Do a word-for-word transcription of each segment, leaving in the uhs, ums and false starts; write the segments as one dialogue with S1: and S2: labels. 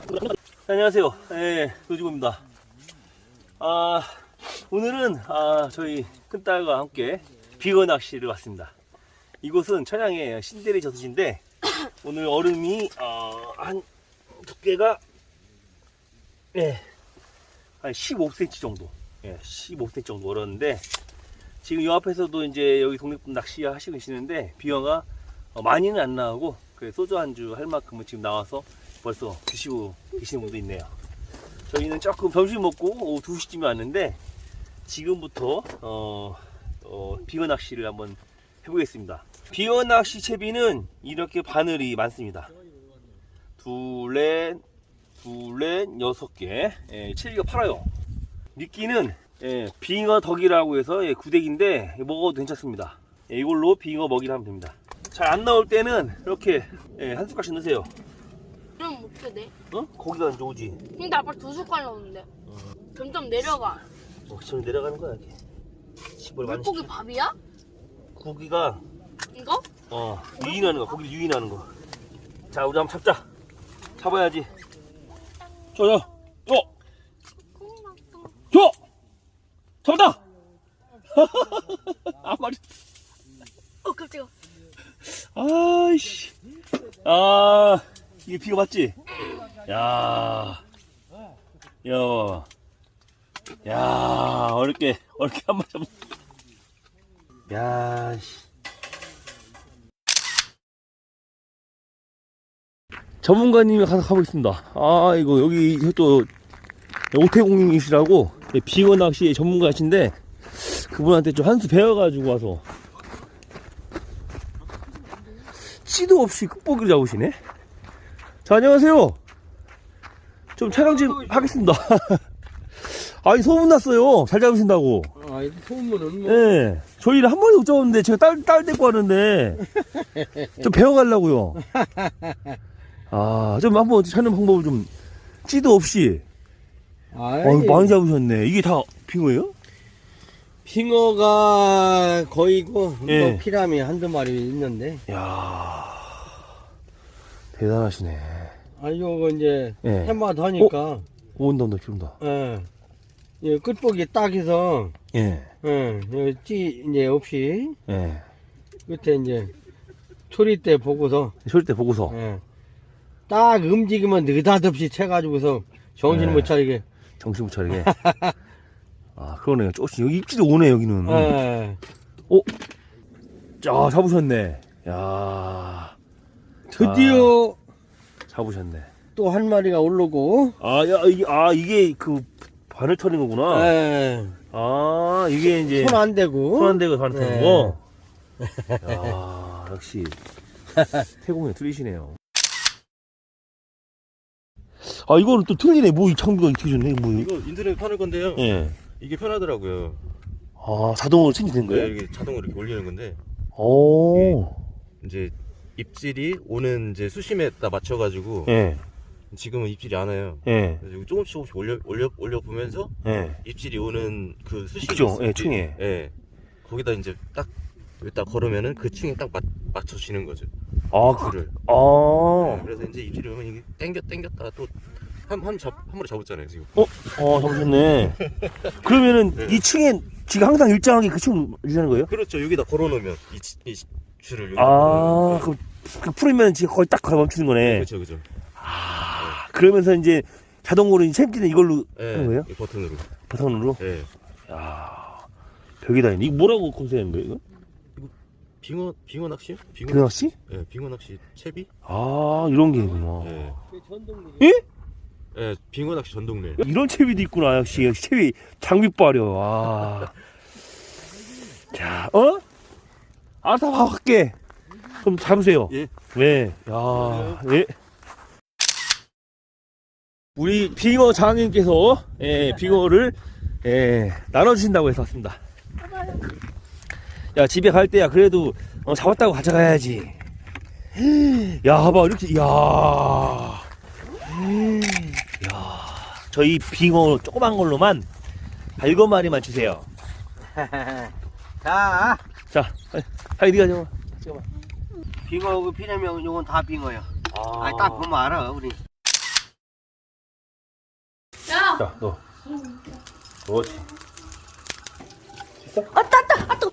S1: 안녕하세요. 예, 노지구입니다. 아, 오늘은 아, 저희 큰딸과 함께 빙어 낚시를 왔습니다. 이곳은 천양의 신대리 저수지인데 오늘 얼음이 어, 한 두께가 예, 한 십오 센티미터 정도, 예, 십오 센티미터 정도 얼었는데 지금 이 앞에서도 이제 여기 독립분 낚시 하시고 계시는데 빙어가 어, 많이는 안 나오고 그 소주 안주 할 만큼은 지금 나와서 벌써 드시고 계시는 분도 있네요. 저희는 조금 점심 먹고 오후 두 시쯤에 왔는데 지금부터 어, 어, 빙어 낚시를 한번 해보겠습니다. 빙어 낚시 채비는 이렇게 바늘이 많습니다. 둘, 넷, 둘, 넷, 여섯 개. 예, 채비가 팔아요. 미끼는 예, 빙어 덕이라고 해서 예, 구데기인데 먹어도 괜찮습니다. 예, 이걸로 빙어 먹이를 하면 됩니다. 잘 안 나올 때는 이렇게 예, 한 숟갈씩 넣으세요.
S2: 그럼 어떻게 돼?
S1: 어? 고기가 이제 오지.
S2: 근데 아빠 두 숟갈 넣었는데
S1: 어,
S2: 점점 내려가.
S1: 어, 저 내려가는 거야 이렇게. 집을 많이
S2: 물고기
S1: 시켜.
S2: 밥이야?
S1: 고기가
S2: 이거?
S1: 어 유인하는 거, 고기를 유인하는 거. 자, 우리 한번 잡자. 잡아야지. 저, 저, 저, 저, 잡았다. 아, 말이.
S2: 어 깜짝이야.
S1: 아이씨. 아, 이게 비가 맞지? 야, 야, 야, 어렵게, 어렵게 한 번 잡. 야, 씨. 전문가님이 가서 가고 있습니다. 아, 이거 여기 또 오태공님이시라고 빙어 낚시 전문가신데 그분한테 좀 한 수 배워가지고 와서 씨도 없이 끝보기를 잡으시네. 자, 안녕하세요. 좀 촬영 좀 하겠습니다. 아니, 소문났어요. 잘 잡으신다고.
S3: 아, 이 소문은 뭐.
S1: 네, 저희를 한 번에 못 잡았는데 제가 딸, 딸 데리고 왔는데 좀 배워가려고요. 아, 좀 한번 찾는 방법을 좀 씨도 없이.
S3: 아이,
S1: 어, 많이 잡으셨네. 이게 다 빙어예요?
S3: 빙어가 거의고,
S1: 예.
S3: 뭐 피라미 한두 마리 있는데.
S1: 이야, 대단하시네.
S3: 아, 요거 이제,
S1: 예.
S3: 해마다 하니까,
S1: 온다, 온다, 기운다.
S3: 예. 예, 끝보기 딱 해서,
S1: 예,
S3: 예, 요 찌, 이제 없이,
S1: 예.
S3: 끝에 이제, 초리 때 보고서,
S1: 소리 때 보고서.
S3: 예. 딱 움직이면 느닷없이 채가지고서, 정신
S1: 예.
S3: 못 차리게.
S1: 정신 못 차리게. 아, 그러네요. 조금씩, 여기 입지도 오네, 여기는.
S3: 예.
S1: 오! 자, 잡으셨네. 야,
S3: 드디어,
S1: 잡으셨네.
S3: 또 한 마리가 오르고,
S1: 아, 야, 이게, 아, 이게 그, 바늘 터는 거구나.
S3: 예.
S1: 아, 이게 이제.
S3: 손 안 대고,
S1: 손 안 대고 바늘 터는
S3: 네.
S1: 거. 야, 역시. 태공이 틀리시네요. 아, 이거는 또 틀리네. 뭐, 이 장비가 이렇게 좋네. 뭐.
S4: 이거 인터넷 파는 건데요.
S1: 예.
S4: 이게 편하더라고요.
S1: 아, 자동으로 체인지된
S4: 네,
S1: 거예요?
S4: 이게 자동으로 이렇게 올리는 건데
S1: 오.
S4: 이제 입질이 오는 이제 수심에다 맞춰가지고
S1: 예.
S4: 지금은 입질이 안 와요.
S1: 예.
S4: 그래서 이거 조금씩 조금씩 올려 올려 올려 보면서
S1: 예.
S4: 입질이 오는 그 수심
S1: 그죠? 예, 층에.
S4: 예. 거기다 이제 딱 여기다 걸으면은 그 층에 딱 맞, 맞춰지는 거죠.
S1: 아, 그,
S4: 줄을.
S1: 아.
S4: 네, 그래서 이제 입질이 오면 이게 땡겨 땡겼다가 또한한잡한 마리 잡았잖아요 지금.
S1: 어, 어, 잡으셨네. 그러면은
S4: 네.
S1: 이 층에 지금 항상 일정하게 그 층 유지하는 거예요?
S4: 그렇죠. 여기다 걸어놓으면 이, 치- 이 줄을 여기다
S1: 아,
S4: 걸어놓으면.
S1: 그, 그 풀으면 지금 거의 딱 멈추는 거네.
S4: 그렇죠, 그렇죠.
S1: 아, 그러면서 이제 자동으로 이제 챔지는 이걸로
S4: 예,
S1: 하는 거예요?
S4: 이 버튼으로.
S1: 바탕으로?
S4: 예.
S1: 야, 벽이다. 이거 뭐라고 검색하는 거예요, 이거?
S4: 빙어 빙어 낚시요? 빙어,
S1: 빙어 낚시?
S4: 예, 빙어 낚시 채비?
S1: 아, 이런 게 있구나.
S4: 예.
S1: 예?
S4: 예, 빙어 낚시 전동릴.
S1: 이런 채비도 있구나. 역시, 역시 채비 장비 빠려. 와. 자, 어? 알아서 봐, 할게. 그럼 잡으세요.
S4: 예.
S1: 네. 야, 예. 우리 빙어 장님께서, 예, 빙어를, 예, 나눠주신다고 해서 왔습니다. 야, 집에 갈 때야, 그래도, 어, 잡았다고 가져가야지. 야, 봐봐, 이렇게, 야. 야, 저희 빙어 조그만 걸로만 발거 마리만 주세요.
S3: 자,
S1: 자, 하이 네가 잡아. 잡아.
S3: 빙어 그 피라미 요건 다 빙어야.
S1: 아,
S3: 아니 딱 보면 알아 우리.
S1: 자, 너. 그렇지. 됐어?
S2: 아따 아따 아따.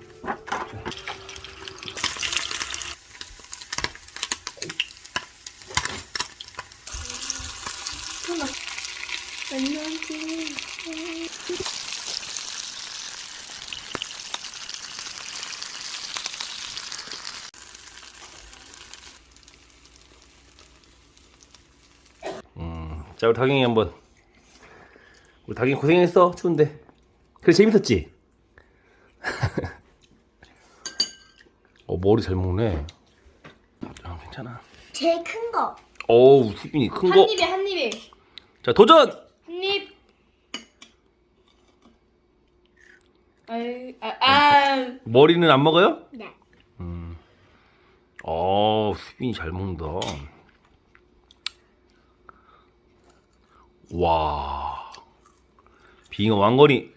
S1: 음, 자, 우리 다경이 한번. 우리 다경이 고생했어. 추운데. 그래, 재밌었지? 어, 머리 잘 먹네. 아, 괜찮아.
S5: 제일 큰 거.
S1: 어우, 수빈이 큰 거.
S2: 한 입에 한 입에
S1: 자, 도전!
S2: 한 입. 아유 아 아.
S1: 머리는 안 먹어요?
S5: 네.
S1: 음. 어, 수빈이 잘 먹는다. 와. 빙어 왕건이.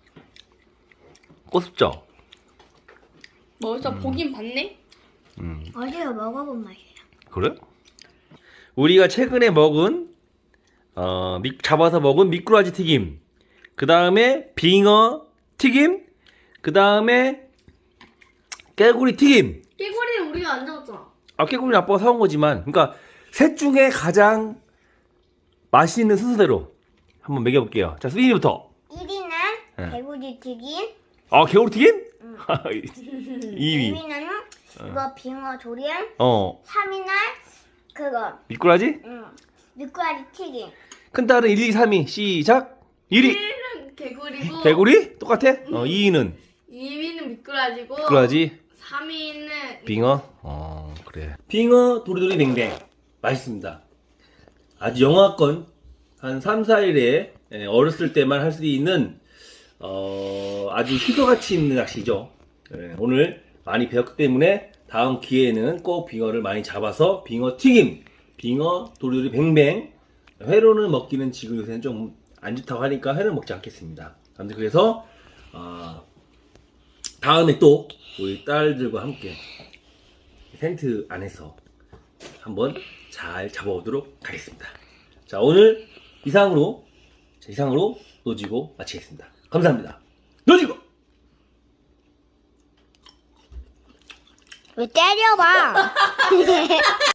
S1: 꼬습죠?
S2: 뭐저 보긴 봤네.
S1: 음.
S5: 어제가 먹어본 맛이에요.
S1: 그래? 우리가 최근에 먹은 어, 미, 잡아서 먹은 미꾸라지 튀김, 그 다음에 빙어 튀김, 그 다음에 깨구리 튀김.
S2: 깨구리는 우리가 안 잡았잖아.
S1: 아, 깨구리는 아빠가 사온 거지만, 그러니까 셋 중에 가장 맛있는 순서대로 한번 먹여볼게요. 자, 수빈이부터.
S5: 일 위는
S1: 네.
S5: 개구리 튀김.
S1: 아, 개구리 튀김? 이 위.
S5: 이 위는 이거 빙어 조림.
S1: 어,
S5: 삼 위는 그거
S1: 미꾸라지?
S5: 응. 미꾸라지 튀김.
S1: 큰 딸은 일, 이, 삼 위. 시작. 일 위.
S2: 일은 개구리고
S1: 개구리? 똑같아? 어, 이 위는
S2: 이 위는 미꾸라지고
S1: 미꾸라지.
S2: 삼 위는
S1: 빙어? 어, 그래. 빙어 도리도리 뱅뱅. 맛있습니다. 아주 영하권 한 삼, 사 일에 어렸을 때만 할 수 있는 어, 아주 희소같이 있는 낚시죠. 예, 오늘 많이 배웠기 때문에 다음 기회에는 꼭 빙어를 많이 잡아서 빙어 튀김, 빙어 도리도리 뱅뱅. 회로는 먹기는 지금 요새는 좀 안 좋다고 하니까 회는 먹지 않겠습니다. 아무튼 그래서 어, 다음에 또 우리 딸들과 함께 텐트 안에서 한번 잘 잡아오도록 하겠습니다. 자, 오늘 이상으로 이상으로 노지고 마치겠습니다. 감사합니다. 노지고.
S5: 왜 때려봐?